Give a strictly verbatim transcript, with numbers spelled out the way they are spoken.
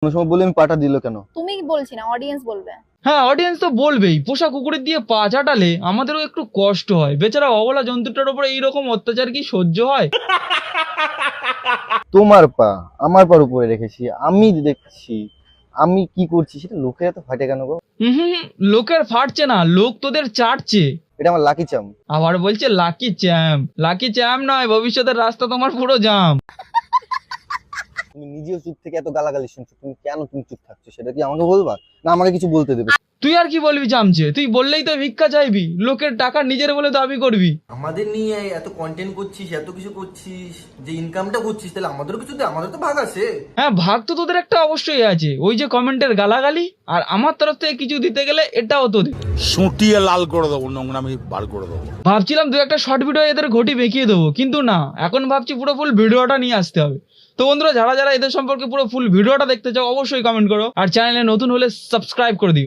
কোনো সময় বলে আমি পাটা দিল কেন? তুমি বলছি না, অডিয়েন্স বলবে। হ্যাঁ, অডিয়েন্স তো বলবেই। পোষা কুকুরের দিয়ে পা চাটালে আমাদেরও একটু কষ্ট হয়। বেচারা অবলা জন্তুটার উপরে এইরকম অত্যাচার কি সহ্য হয়? তোমার পা আমার পার উপরে রেখেছি, আমি দেখছি আমি কি করছি, সেটা লোকের এত ফাটে কেন গো? হুম হুম, লোকের ফাটছে না, লোক তোদের চাটছে। এটা আমার লাকি চাম। আবার বলছে লাকি চ্যাম্প। লাকি চ্যাম্প নয়, ভবিষ্যতের রাস্তা তোমার পুরো জাম। তুমি নিজেও চুপ থেকে এত গালাগালি শুনছো, তুমি কেন তুমি চুপ থাকছো সেটা কি আমাকে বলবা, না আমাকে কিছু বলতে দেবে? তুই আর কি বলবি চামচে? তুই বললেই তো ভিক্ষা চাইবি, লোকের টাকা নিজের বলে দাবি করবি। আমাদের নিয়ে এত কন্টেন্ট করছিস, এত কিছু করছিস, যে ইনকামটা করছিস, তাহলে আমাদেরও কিছু দে, আমাদের তো ভাগ আছে। হ্যাঁ, ভাগ তো তোদের একটা অবশ্যই আছে। ওই যে কমেন্টের গালাগালি, আর আমার তরফ থেকে কিছু দিতে গেলে এটাও তোদের। সুটিয়ে লাল করে দেবো, নোংরামি বার করে দেবো। ভাবছিলাম দু একটা শর্ট ভিডিও এদের ঘটি বেঁকিয়ে দেবো, কিন্তু না, এখন ভাবছি পুরো ফুল ভিডিওটা নিয়ে আসতে হবে। তো বন্ধুরা, যারা যারা এদের সম্পর্কে পুরো ফুল ভিডিওটা দেখতে চাও অবশ্যই কমেন্ট করো, আর চ্যানেলে নতুন হলে সাবস্ক্রাইব করে দিও।